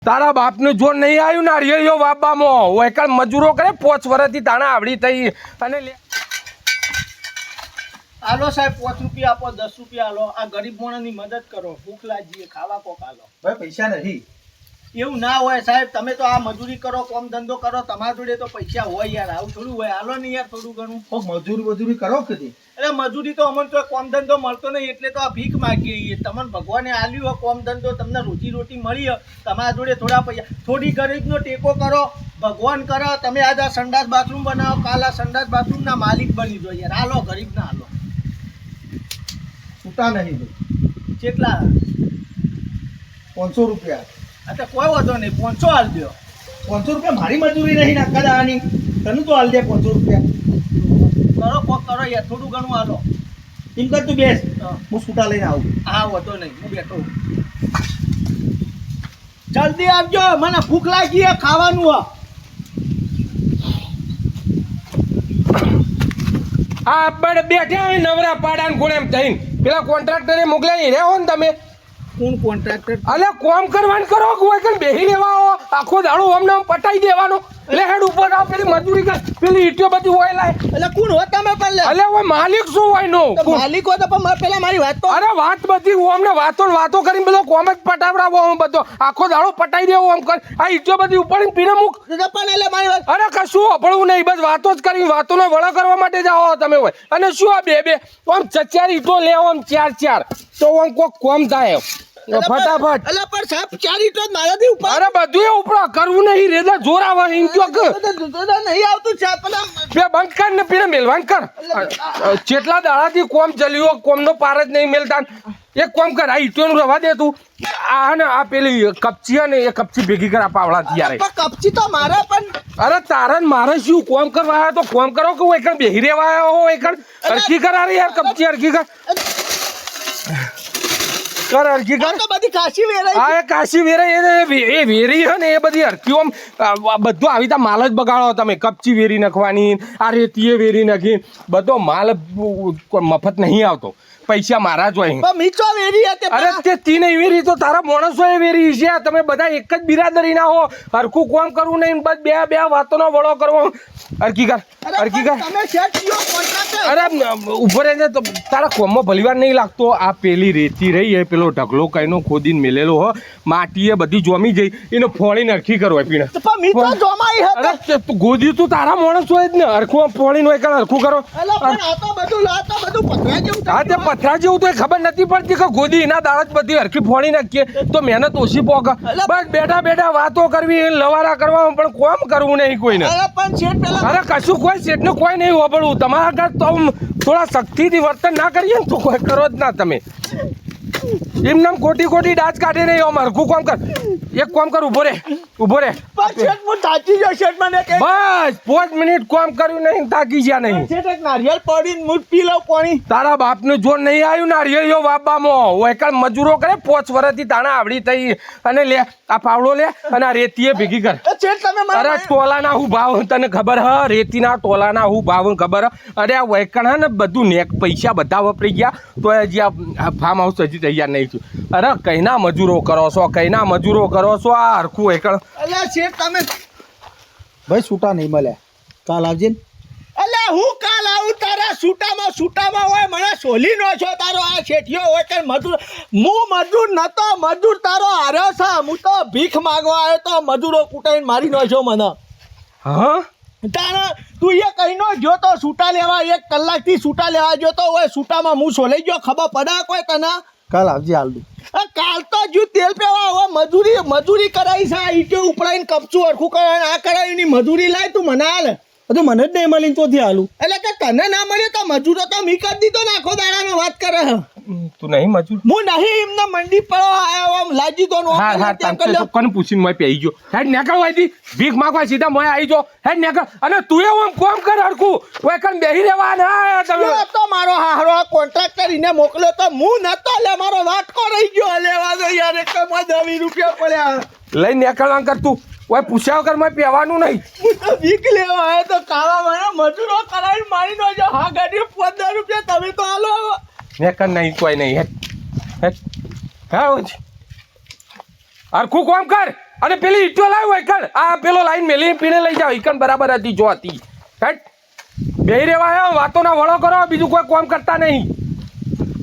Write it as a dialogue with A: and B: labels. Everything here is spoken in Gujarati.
A: તારા બાપનું જોર નહીં આવ્યું ને રિયો બાપામાં હું એકલ મજૂરો કરે 5 વર્ષથી તાણા આવડી થઈ અને
B: આલો સાહેબ 5 રૂપિયા આપો 10 રૂપિયા આલો આ ગરીબ માણસની મદદ કરો ભૂખ લાગી ખાવા કોક આલો
C: ભાઈ પૈસા નથી
B: એવું ના હોય સાહેબ તમે તો આ મજૂરી કરો કામ ધંધો કરો તમારા જોડે તો પૈસા હોય યાર આવું થોડું હોય આલો ને યાર થોડું ઘણું
C: મજૂરી કરો કદી
B: એટલે મજૂરી તો અમને તો કામ ધંધો મળતો નહીં એટલે તો આ ભીખ માગીએ છીએ તમને ભગવાને આલ્યું હોય કામ ધંધો તમને રોજી રોટી મળી હોય તમારા જોડે થોડા પૈસા થોડી ગરીબનો ટેકો કરો ભગવાન કરો તમે આજ આ સંડાસ બાથરૂમ બનાવો કાલ આ સંડાસ બાથરૂમના માલિક બની દો યાર હાલો ગરીબ ના હાલો
C: છૂટા નહીં ભાઈ
B: કેટલા
C: 500 રૂપિયા
B: અચ્છા કોઈ વાંધો નહીં 500 હાલ દો
C: 500 રૂપિયા મારી મજૂરી નહીં નાખા દાવાની તને તો હાલ દે 500 રૂપિયા
B: કરો કોક કરો યાર થોડું ઘણું હાલો
C: એમ કર તું બેસ
B: હા.
C: હું છૂટા લઈને આવું
B: હા વાંધો નહીં હું બેઠો છું. જલ્દી આવજો મને ભૂખ લાગી છે ખાવાનું
A: આ આપણે બેઠા હોય નવરા પાડાને કોણ એમ થઈને પેલા કોન્ટ્રાક્ટરે મોકલાઈ રહ્યો ને તમે
B: કોણ કોન્ટ્રાક્ટર
A: અલે કોમ કરવાનું કરો કોઈ કઈ બેહી લેવા આવો આખો દાડો અમને આમ પટાઈ દેવાનો લે હેડ ઉપર આવ પેલી મજૂરી કર પેલી ઈટીઓ બધી હોય લાય
B: એટલે કોણ હો તમે પણ લે
A: અલે ઓય માલિક શું હોય નો
B: માલિક હો તો પણ પેલા મારી વાત તો
A: અરે વાત બધી અમને વાતો ને વાતો કરીને બધો કોમ જ પટાવડાવો આમ બધો આખો દાડો પટાઈ દેવો આમ કર આ ઈટીઓ બધી ઉપાડીને પીને મૂક
B: પણ એટલે મારી વાત
A: અરે કશું અપડવું નહીં બસ વાતો જ કરી વાતોનો વળો કરવા માટે જ આવો તમે હોય અને શું આ બે આમ 4 ઈટો લેવો આમ 4 તો આમ કોક કોમ થાય ફટાફટ
B: એટલે પણ સાહેબ 4 ઈટો મારાથી ઉપર
A: અરે બધું એ ઉપડા કરવું નહીં રેદા જોર આવે એમ કયો કે
B: નહીં આવતું છે પેલા
A: બે બંધ કર ને પીને મેલવાન કર જેટલા દાડાથી કોમ ચલ્યો કોમનો પાર જ નહીં મેલતા એક કોમ કર આ ઈટોનું રવા દે તું આ ને આ પેલી કપચી ને એ કપચી ભેગી કર આ પાવડા ત્યારે
B: કપચી તો મારે પણ
A: અરે તારે મારે શું કોમ કરવા આવ્યો તો કોમ કરો કે એકણ બેહી રહેવા આવ્યો હો એકણ અરકી કર અરે યાર કપચી અરકી કર અરકી કર
B: તો બધી કાશી વેરાઈ
A: આ એ કાશી વેરાઈ એ વેરી છે ને એ બધી હરકીઓ બધું આવી તા માલ જ બગાડો તમે કપચી વેરી નાખવાની આ રેતીએ વેરી નાખી બધો માલ મફત નહીં આવતો પૈસા મારા જ હોય
B: મીચો વેરી હતી
A: અરે તે તીન વેરી તો તારા માણસો એ વેરી છે તમે બધા એક જ બિરાદરી ના હો હરખું કોમ કરવું નહીં બસ બે વાતોનો વળો કરવો હરકી કર
B: તમે સેટ કયો કોન્ટ્રાક્ટર
A: અરે ઉભો રહેજે તો તારા કોમમાં ભલીવાર નહીં લાગતો આ પેલી રેતી રહી એ પેલો ઢગલો કઈનો ખોદીને મેલેલો હો માટીએ બધી જોમી જઈ એને ફોળીને હરખી કરવો પીણે
B: પણ મીચો જોમાઈ હતી
A: અરે ગોદી તું તારા માણસ હોય જ ને હરખું ફોળીને હોય કાં હરખું કરો
B: એટલે પણ આ તો બધું પથરા જેવું
A: હા તે પથરા જેવું તો ખબર નથી પડતી કે ગોદી એના દાળ જ બધી હરખી ફોડી નાખીએ તો મહેનત ઓછી પોકે બસ બેઠા વાતો કરવી લવારા કરવા પણ કોમ કરવું નહીં કોઈને
B: અરે પણ શેઠ પેલા
A: અરે કશું કોઈ શેઠનું કોઈ નહીં વાપરવું તમારા ઘર તો થોડા શક્તિથી વર્તન ના કરીએ ને તો કોઈ કરો જ ના તમે એમને ખોટી ડાચ કાઢે નહીં આમ હરખું કોમ કર એક કોમ કર ઉભો રે
B: પણ શેઠ હું થાકી ગયો શેઠ મને કે
A: બસ 5 મિનિટ કોમ કર્યું નહીં થાકી ગયા નહીં
B: શેઠ એક નારિયેળ પડીને મુઠ પી લઉં પાણી
A: તારા બાપનું જોર નહીં આવ્યું ને રિયો બાપામાં હું એકલ મજૂરો કરે 5 વર્ષથી તાણા આવડી થઈ અને લે આ પાવડો લે અને આ રેતીએ ભેગી કર
B: શેઠ તમે
A: અરે ટોલાના હું ભાવ તને ખબર હ રેતીના ટોલાના હું ભાવ ખબર અરે આ વૈકણ હે ને બધું નેક પૈસા બધા વપરી ગયા તો હજી આ ફાર્મ હાઉસ હજી તૈયાર નહીં થયું અરે કઈના મજૂરો કરો છો આ હરખું વૈકણ
B: અલ્યા શેઠ તમે
C: ભાઈ છૂટા નહીં મળ્યા કાલ આવજે ને
B: અલ્યા હું કાલ આવું તારા છૂટામાં હોય મને સોલી નો છો તારો આ શેઠિયો હોય કે મજૂર હું મજૂર નતો મજૂર તારો હાર્યો છે હું તો ભીખ માંગવા આવ્યો તો મજૂરો કૂટાઈને મારી નો છો મને
A: હા
B: તારા તું એ કહીનો જો તો છૂટા લેવા 1 કલાકથી છૂટા લેવા જોતો હોય છૂટામાં હું સોલાઈ ગયો ખબર પડે કોઈ તને
C: કાલ આવજે હાલ દઉં
B: કાલ તો જો તેલ પેવા હવે મજૂરી કરાવી છે આ ઈટો ઉપડાઈને કપચું હરખું કરાવીને આ કરાવીની મજૂરી લાય તું મને હાલ
C: તો મને જ નહીં મળીને તોથી હાલું
B: એટલે કે તને ના મળ્યો તો મજૂરો તો મી કરી દીધો ને આખો દાડાનો વાત કરે
A: તું નહીં મજૂર
B: હું નહીં એમને મંડી પર આવ્યો આમ લાજી દો નો
A: હા કોને પૂછીને મેં પેઈ ગયો હેડ નીકળ વાયથી ભીખ માંગવા સીધા મોય આવી જો હેડ નીકળ અને તું એવું આમ કોમ કર હરખું વેકન બેહી રહેવા ના તમે
B: તો મારો હારો કોન્ટ્રાક્ટર એને મોકલ્યો તો હું નતો લે મારો વાટકો રહી ગયો લેવા દો યાર એક માં 20 રૂપિયા પડ્યા લઈ નીકળવા કર તું ઓય પૂછ્યા વગર મેં પહેવાનું નહીં હું તો વીક લેવા આવ્યો તો કાળા મને મજૂરો કરાવીને મારી નો જો હા ગાડી 15 રૂપિયા તમે તો હાલો
A: નીકળ નહીં કોઈ નહીં હેડ હા હરખું કોમ કર અને પેલી ઈટો લાવ્યો એકણ આ પેલો લાઈન મેલી પીણે લઈ જાઓ એકણ બરાબર હતી જો હતી હેટ બે રેવા વાતોના વળો કરો બીજું કોઈ કામ કરતા નહીં